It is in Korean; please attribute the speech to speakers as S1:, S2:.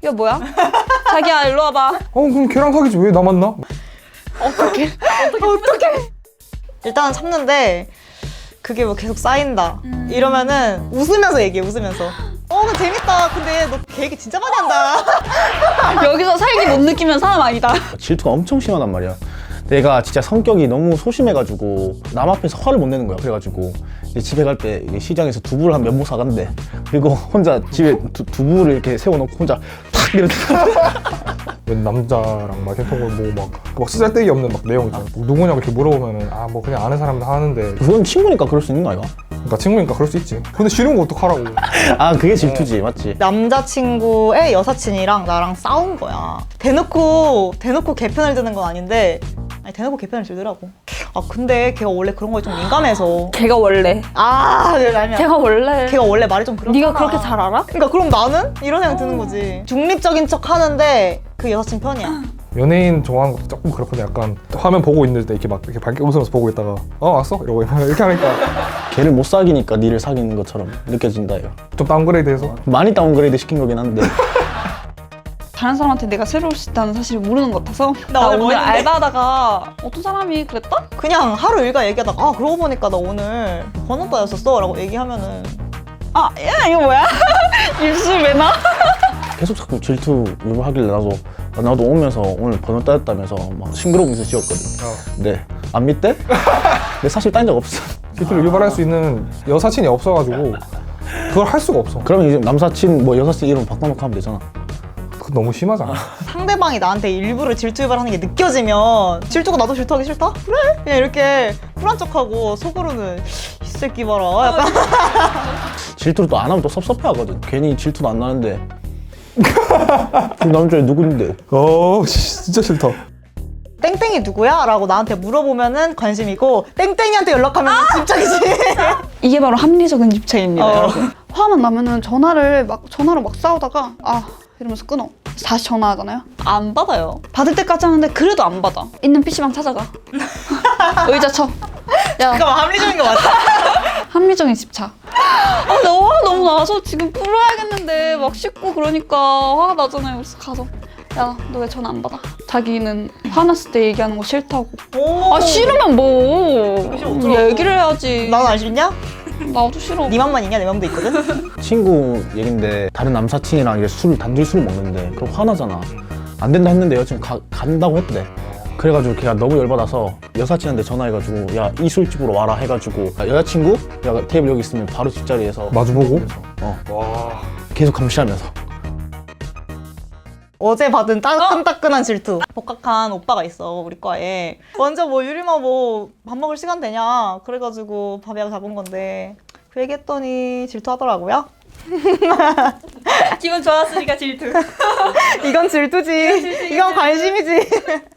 S1: 야 뭐야? 자기야 일로 와봐.
S2: 그럼 걔랑 사귀지 왜 나 만나?
S1: 어떡해.
S3: 일단은 참는데 그게 뭐 계속 쌓인다 이러면은 웃으면서 얘기해. 웃으면서 그 재밌다. 근데 너 계획이 진짜 많이 한다.
S1: 여기서 살기 못 느끼면 사람 아니다.
S4: 질투가 엄청 심하단 말이야. 내가 진짜 성격이 너무 소심해가지고 남 앞에서 화를 못 내는 거야. 그래가지고 이제 집에 갈 때 시장에서 두부를 한 몇 모 사간대. 그리고 혼자 집에 두부를 이렇게 세워놓고 혼자 탁 이렇게
S2: 웬 남자랑 막 했던 거막 쓰잘데기 없는 막 내용 있잖아. 누구냐고 이렇게 물어보면은 뭐 그냥 아는 사람들 하는데
S4: 그건 친구니까 그럴 수 있는 거 아이가?
S2: 그러니까 친구니까 그럴 수 있지. 근데 싫은 거 어떡하라고.
S4: 아 그게 질투지 맞지?
S3: 남자친구의 여사친이랑 나랑 싸운 거야. 대놓고 개편을 드는 건 아닌데 대놓고 개편을 들더라고. 근데 걔가 원래 그런 거에 좀 민감해서.
S1: 걔가 원래.
S3: 걔가
S1: 원래.
S3: 걔가 원래 말이 좀 그렇잖아.
S1: 네가 그렇게 잘 알아?
S3: 그러니까 그럼 나는? 이런 생각 드는 거지. 중립적인 척 하는데 그 여사친 편이야.
S2: 연예인 좋아하는 것도 조금 그렇거든. 약간 화면 보고 있는 때 이렇게 막 이렇게 밝게 웃으면서 보고 있다가 왔어? 이러고 이렇게 하니까
S4: 걔를 못 사귀니까 니를 사귀는 것처럼 느껴진다 이거.
S2: 좀 다운그레이드해서.
S4: 많이 다운그레이드 시킨 거긴 한데
S1: 다른 사람한테 내가 새로울 수 있다는 사실을 모르는 것 같아서 나
S3: 오늘 뭐
S1: 오늘
S3: 했는데?
S1: 알바하다가 어떤 사람이 그랬다?
S3: 그냥 하루 일과 얘기하다가 그러고 보니까 나 오늘 번호따였었어 라고 얘기하면은
S1: 야 이거 뭐야? 입술 왜 나?
S4: 계속 자꾸 질투 유발하길래 나도 오면서 오늘 번호 따였다면서 막 싱그러우면서 지웠거든. 근데 안 믿대? 근데 사실 따인 적 없어.
S2: 질투를 유발할 수 있는 여사친이 없어가지고 그걸 할 수가 없어.
S4: 그러면 이제 남사친 뭐 여사친 이름 바꿔놓고 하면 되잖아.
S2: 그거 너무 심하잖아.
S3: 상대방이 나한테 일부러 질투 유발하는 게 느껴지면 질투가 나도 질투하기 싫다? 그래? 그냥 이렇게 쿨한 척하고 속으로는 이 새끼 봐라 약간
S4: 질투를 또 안 하면 또 섭섭해하거든. 괜히 질투도 안 나는데 그 남자애 누군데?
S2: 진짜 싫다.
S3: 땡땡이 누구야? 라고 나한테 물어보면은 관심이고 땡땡이한테 연락하면 집착이지.
S1: 이게 바로 합리적인 집착입니다,
S3: 어.
S1: 여러분. 화만 나면은 전화로 막 싸우다가 이러면서 끊어. 다시 전화하잖아요. 안 받아요. 받을 때까지 하는데 그래도 안 받아. 있는 PC방 찾아가. 의자 쳐. 야,
S3: 잠깐만 합리적인 거 맞아?
S1: 합리적인 집착. 근데 화가 너무 나서 지금 풀어야겠는데 막 씻고 그러니까 화가 나잖아요. 그래서 가서 야, 너 왜 전화 안 받아? 자기는 화났을 때 얘기하는 거 싫다고. 싫으면 뭐
S3: 어쩌라고.
S1: 얘기를 해야지.
S3: 난 안 싫냐?
S1: 나도 싫어.
S3: 네 맘만 있냐? 내 맘도 있거든?
S4: 친구 얘긴데 다른 남사친이랑 이제 단둘이 술을 먹는데 그럼 화나잖아. 안 된다 했는데 여자친구 간다고 했대. 그래가지고 걔가 너무 열받아서 여사친한테 전화해가지고 야 이 술집으로 와라 해가지고 여자친구? 야 테이블 여기 있으면 바로 집자리에서
S2: 마주보고?
S4: 와 계속 감시하면서
S3: 어제 받은 따끈따끈한 질투. 복학한 오빠가 있어 우리 과에. 먼저 유림아 밥 먹을 시간 되냐 그래가지고 밥 예약 잡은 건데 그 얘기했더니 질투하더라고요.
S1: 기분 좋았으니까 질투.
S3: 이건 질투지. 이건 관심이지.